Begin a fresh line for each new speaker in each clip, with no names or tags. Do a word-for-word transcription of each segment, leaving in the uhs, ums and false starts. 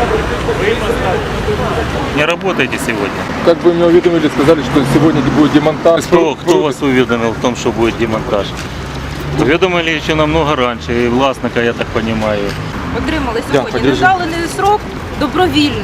Не работаете сегодня?
Как бы меня уведомили, сказали, что сегодня будет демонтаж.
Кто, кто вас уведомил в том, что будет демонтаж? Уведомили еще намного раньше, и власника, я так понимаю.
Отримали сьогодні незалений срок добровільно.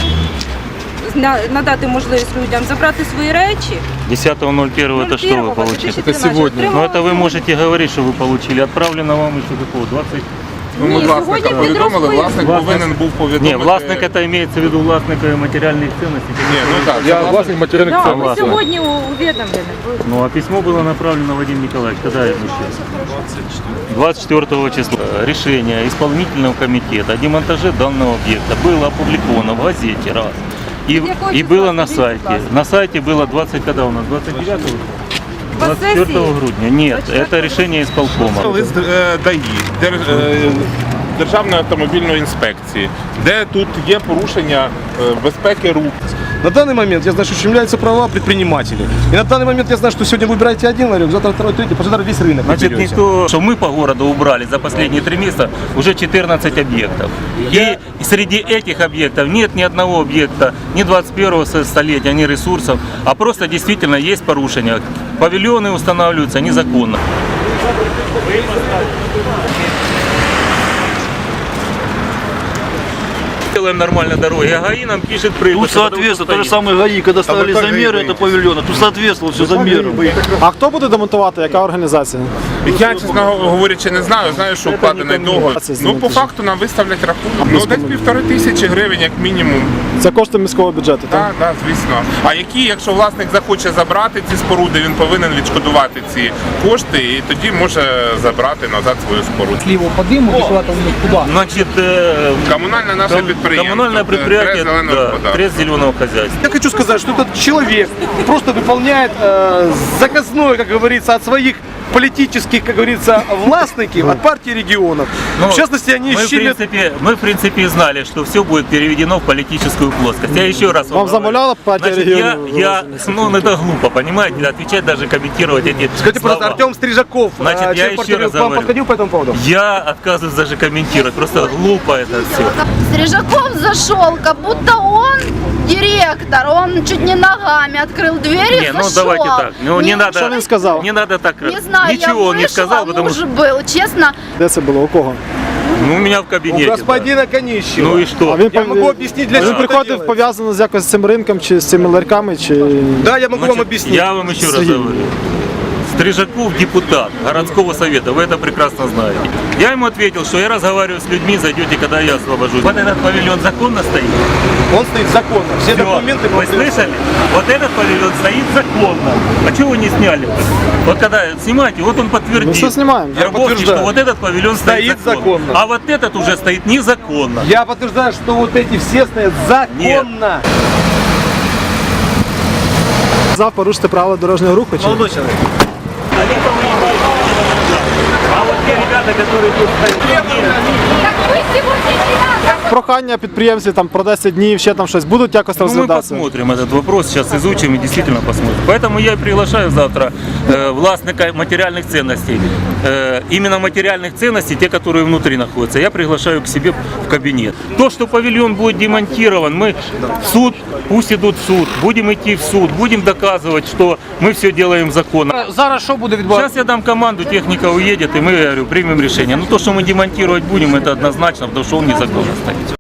Надати можливість людям забрати свої речі.
десятого ноль первого это что вы получили?
Это сегодня.
Ну это вы можете говорить, что вы получили. Отправлено вам еще какого? двадцать?
Ну, ми власника повідомили, власник повинен був повідомити.
Ні, власник это имеется в виду власника материальных ценностей.
Ні, ну так, я власник материальных
Да,
ценностей.
ми сьогодні увідомлені.
Ну а письмо было направлено Вадим Николаевич. Когда это еще? двадцать четвёртого числа. Решение исполнительного комитета о демонтаже данного объекта было опубликовано в газете раз. И, и было на сайте. На сайте было двадцать, когда у нас? двадцать девятого? двадцать четвёртого грудня. Нет, это решение исполкома.
Лист ДАІ, Державної автомобільної інспекції, де тут є порушення безпеки рук.
На данный момент я знаю, что ущемляются права предпринимателей. И на данный момент я знаю, что сегодня выбираете один ларек, завтра второй, третий, послезавтра весь рынок.
Значит, никто, что мы по городу убрали за последние три месяца уже четырнадцать объектов. И среди этих объектов нет ни одного объекта, ни двадцать первого столетия, ни ресурсов, а просто действительно есть порушения. Павильоны устанавливаются незаконно. Делаем нормально дороги, а ГАИ нам пишет прыгать.
Тут соответствует, то же самое ГАИ, когда ставили замеры это павильона, тут соответствовало все замерам.
А хто буде демонтувати? Яка організація?
Я, чесно говорячи, не знаю, знаю, що вкладений договір. Ну, по факту нам виставлять рахунок. Ну, десь півтори тисячі гривень, як мінімум.
Це кошти міського бюджету, так?
Так, так, звісно. А які, якщо власник захоче забрати ці споруди, він повинен відшкодувати ці кошти і тоді може забрати назад свою споруду.
Если его подымут, и куда-то у них куда?
Значит, э,
Комунальне наше
ком-
підприємство.
коммунальное предприятие,
«Трест зеленого
да,
господарства».
Трест зеленого хозяйства.
Я хочу сказать, что этот человек просто выполняет э, заказное, как говорится, от своих политических, как говорится, властников, от партии регионов.
Ну,
в частности, они
мы, в
щемят...
принципе, мы, в принципе, знали, что все будет переведено в политическую плоскость. Я еще раз вам
Вам
говорю.
замовляла партия
Значит, я,
регионов?
я, ну, это глупо, понимаете, отвечать, даже комментировать эти
Скажите,
слова.
пожалуйста, Артем Стрижаков,
Значит,
э,
я
член
еще
партии,
раз
к вам
говорю.
подходил по этому поводу?
Я отказываюсь даже комментировать, просто глупо это все.
Стрижаков зашел, как будто он директор, он чуть не ногами открыл дверь и
Не, ну
зашел.
давайте так, ну не,
Не,
надо,
Что он сказал?
не надо так,
Не знаю,
ничего
я
он не
вышла,
сказал, потому
муж
что
был, честно.
Де це було? У кого?
ну, у меня в
У
кабинете.
господина Конищева.
Ну и что?
А він,
Я
пов-
могу объяснить, для
він
чего это
приходив
делается.
пов'язано з якось з цим ринком, чи з цими ларьками, чи...
Да, я могу вам
Значит,
объяснить.
я вам еще раз
Сергей.
говорю. Стрижаков депутат городского совета, вы это прекрасно знаете. Я ему ответил, что я разговариваю с людьми, зайдете, когда я освобожусь. Вот этот павильон законно стоит?
Он стоит законно. Все
Всё.
документы...
Вы слышали? Вот этот павильон стоит законно. А чего вы не сняли? Вот когда снимаете, вот он подтвердит.
Ну что снимаем?
Я
Вербовский,
подтверждаю.
что вот этот павильон стоит,
Стоит
законно.
законно.
А вот этот уже стоит незаконно.
Я подтверждаю, что вот эти все стоят законно.
Сказав порушити правила дорожнього руху, чи...
Они по-моему, а вот те ребята, которые тут стоят,
Так вы сегодня не надо.
Прохання підприємців там про десять днів, ще там щось будуть якось
ну, мы
розглядатися?
посмотрим этот вопрос, сейчас изучим и действительно посмотрим. Поэтому я и приглашаю завтра э, властника материальных ценностей. Э, именно материальных ценностей, те, которые внутри находятся, я приглашаю к себе в кабинет. То, что павильон будет демонтирован, мы в суд, пусть идут в суд, будем идти в суд, будем доказывать, что мы все делаем законно.
Зараз що буде відбуватися?
Сейчас я дам команду, техника уедет, и мы, я говорю, примем решение. Но то, что мы демонтировать будем, это однозначно, потому что он незаконно стоит.